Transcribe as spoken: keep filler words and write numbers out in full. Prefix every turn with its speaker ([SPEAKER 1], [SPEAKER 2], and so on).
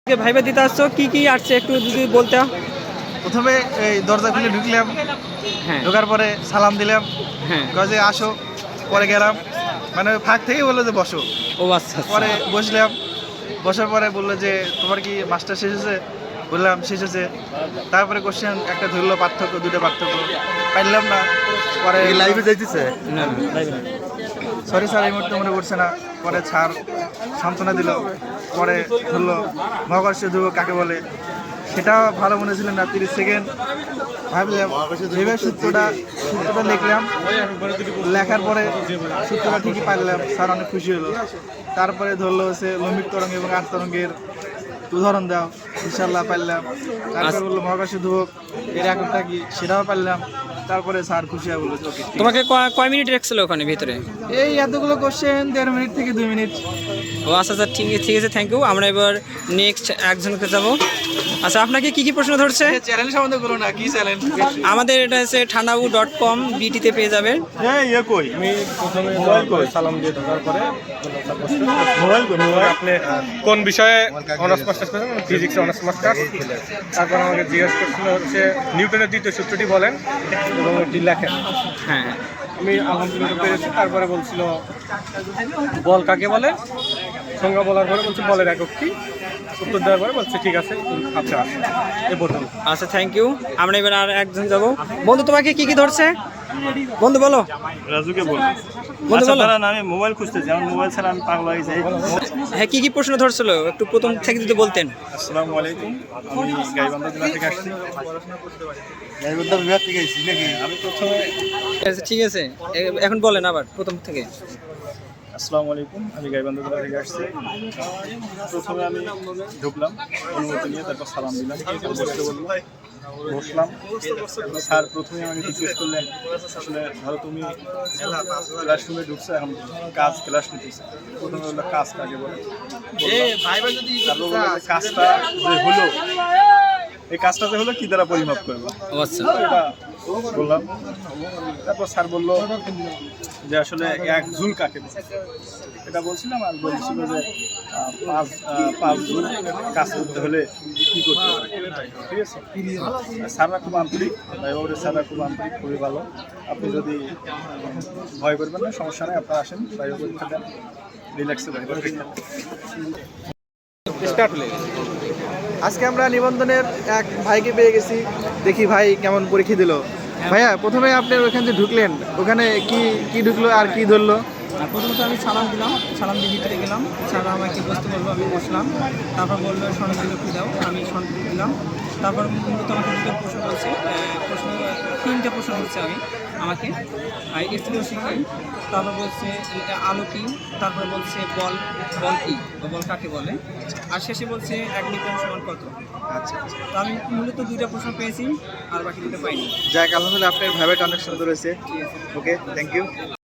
[SPEAKER 1] Viva দিতে আসছো কি কি আসছে একটু যদি বলতে।
[SPEAKER 2] প্রথমে এই দরজা খুলে ঢুকলাম,
[SPEAKER 1] হ্যাঁ
[SPEAKER 2] ঢোকার পরে সালাম দিলাম,
[SPEAKER 1] হ্যাঁ
[SPEAKER 2] কয় যে আসো। পরে গেলাম, মানে ফাঁক থেকে বললো যে বসো।
[SPEAKER 1] ও আচ্ছা আচ্ছা।
[SPEAKER 2] পরে বসলাম, বসার পরে বললো যে তোমার কি মাস্টার শেষ হয়েছে? বললাম শেষ হয়েছে। তারপরে কোশ্চেন একটা ধরলো, পার্থক্য দুটো পার্থক্য পাইলাম না। পরে লাইভে যাইতেছে,
[SPEAKER 1] না না লাইভে না।
[SPEAKER 2] সরি স্যার এই মুহূর্তে মনে করছে না। পরে স্যার সান্ত্বনা দিল। পরে ধরলো মহাকর্ষ ধ্রুবক কাকে বলে, সেটা ভালো মনে ছিল না। তিরিশ সেকেন্ড ভাবলাম, ভেবে সূত্রটা সূত্রটা লিখলাম। লেখার পরে সূত্রটা ঠিকই পারলাম, স্যার অনেক খুশি হলো। তারপরে ধরলো হচ্ছে লম্বিক তরঙ্গ এবং আট তরঙ্গের উদাহরণ দাও, ইনশাল্লাহ পারলাম। তারপরে বললো মহাকর্ষ ধ্রুবক এর এককটা কি, সেটাও পারলাম। তারপরে স্যার খুশি হয়ে বললো ওকে।
[SPEAKER 1] তোমাকে কয়- কয় মিনিট রাখছিল ওখানে ভিতরে?
[SPEAKER 2] এই এতগুলো কোশ্চেন দেড় মিনিট থেকে দুই মিনিট।
[SPEAKER 1] ও আচ্ছা আচ্ছা ঠিক আছে ঠিক আছে থ্যাংক ইউ। আমরা এবার নেক্সট একজনকে যাব। আচ্ছা আপনাকে কি কি প্রশ্ন ধরছে?
[SPEAKER 2] চ্যানেল সম্বন্ধে বলো না, কি চ্যানেল?
[SPEAKER 1] আমাদের এটা হচ্ছে ঠান্ডাবু ডট কম বিটিতে পেয়ে যাবেন।
[SPEAKER 3] ইয়ে কই আমি প্রথমে মোবাইল কই সালাম দিয়ে ঢোকার পরে মোবাইল কই মোবাইল আপনি কোন বিষয়ে অনার্স মাস্টার্স করেন? ফিজিক্সে অনার্স মাস্টার্স। তারপর আমাকে জিজ্ঞেস করছিল হচ্ছে নিউটনের দ্বিতীয় সূত্রটি বলেন এবং এটি লেখেন।
[SPEAKER 1] হ্যাঁ
[SPEAKER 3] আমি আলহামদুলিল্লাহ পেরেছি। তারপরে বলছিল বল কাকে বলে, সংজ্ঞা বলার পরে বলছে বলের একক কি, উত্তর দেওয়ার পরে বলছে ঠিক আছে আচ্ছা এ পর্যন্ত।
[SPEAKER 1] আচ্ছা থ্যাংক ইউ। আমরা এবার আর একজন যাব। বন্ধু তোমাকে কি কি ধরছে বন্ধু বলো।
[SPEAKER 3] রাজুকে বল
[SPEAKER 1] বন্ধু বলো।
[SPEAKER 3] আমি মোবাইল খুঁজতেছি, আমার মোবাইল ছাড়া আমি পাগল হয়ে যাই।
[SPEAKER 1] হ্যাঁ কি কি প্রশ্ন ধরছিল একটু প্রথম থেকে যদি বলতেন।
[SPEAKER 3] আসসালামু আলাইকুম, আমি গাইবান্ধা জেলা থেকে আসছি।
[SPEAKER 2] গাইবান্ধা বিভাগ থেকে এসেছি নাকি?
[SPEAKER 3] আমি প্রথমে
[SPEAKER 1] আচ্ছা ঠিক আছে এ- এখন বলেন আবার প্রথম থেকে।
[SPEAKER 3] আসসালামু আলাইকুম, আমি গাইবান্ধা জেলা থেকে আসছি। প্রথমে আমি ঢুকলাম অনুমতি নিয়ে, তারপর সালাম দিলাম, বসতে বললাম, বসলাম। স্যার প্রথমে আমাকে জিজ্ঞেস করলেন আসলে ধরো তুমি ক্লাসরুমে ঢুকছো, এখন কাজ ক্লাস নিতেছে। প্রথমে বললো কাজ কাকে বলে, তারপর বললো যে কাজটা যে হলো, এই কাজটা যে হলো কি দ্বারা পরিমাপ করবো,
[SPEAKER 1] ও আচ্ছা
[SPEAKER 3] এটা বললাম। তারপর স্যার বললো যে আসলে এক ঝুল কাকে বলে, এটা বলছিলাম। আর বলছিল যে আহ, পাঁচ আহ, পাঁচ ঝুল কাজ করতে হলে কী করতে হবে, ঠিক আছে। স্যাররা খুব আন্তরিক, ভাইবাবুরের স্যাররা খুব আন্তরিক, খুবই ভালো। আপনি যদি ভয় করবেন না, সমস্যা নেই, আপনারা আসেন, ভাইবা পরীক্ষা দেন, রিল্যাক্সে ভাইবা পরীক্ষা
[SPEAKER 1] স্টার্ট হলে
[SPEAKER 2] আজকে আমরা নিবন্ধনের এক ভাইকে পেয়ে গেছি, দেখি ভাই কেমন পরীক্ষা দিল। ভাইয়া প্রথমে আপনি ওখানে যে ঢুকলেন, ওখানে কি কি ঢুকলো আর কি ধরলো?
[SPEAKER 4] আর প্রথমত আমি সালাম দিলাম, সালাম দিয়ে ভিতরে গেলাম। স্যার আমাকে বসতে বলবো, আমি বসলাম। তারপর বললো স্বর্ণযুক্তি দাও, আমি স্বর্ণযুক্তি দিলাম। তারপর মূলত আমাকে দুটো প্রশ্ন বলছে, আহ, প্রশ্ন তিনটে প্রশ্ন বলছে আমি আমাকে এক্সপ্লোসিভ কি, তারপর বলছে এটা আলো কি, তারপর বলছে বল বল কি বা বল কাকে বলে, আর শেষে বলছে এক নিউটন সমান কত।
[SPEAKER 2] আচ্ছা
[SPEAKER 4] তো আমি মূলত দুইটা প্রশ্ন পেয়েছি, আর বাকি দুটো পাইনি।
[SPEAKER 2] যাক আলহামদুলিল্লাহ, আপনার ভাইবাটা অনেক সুন্দর হয়েছে। Okay thank you.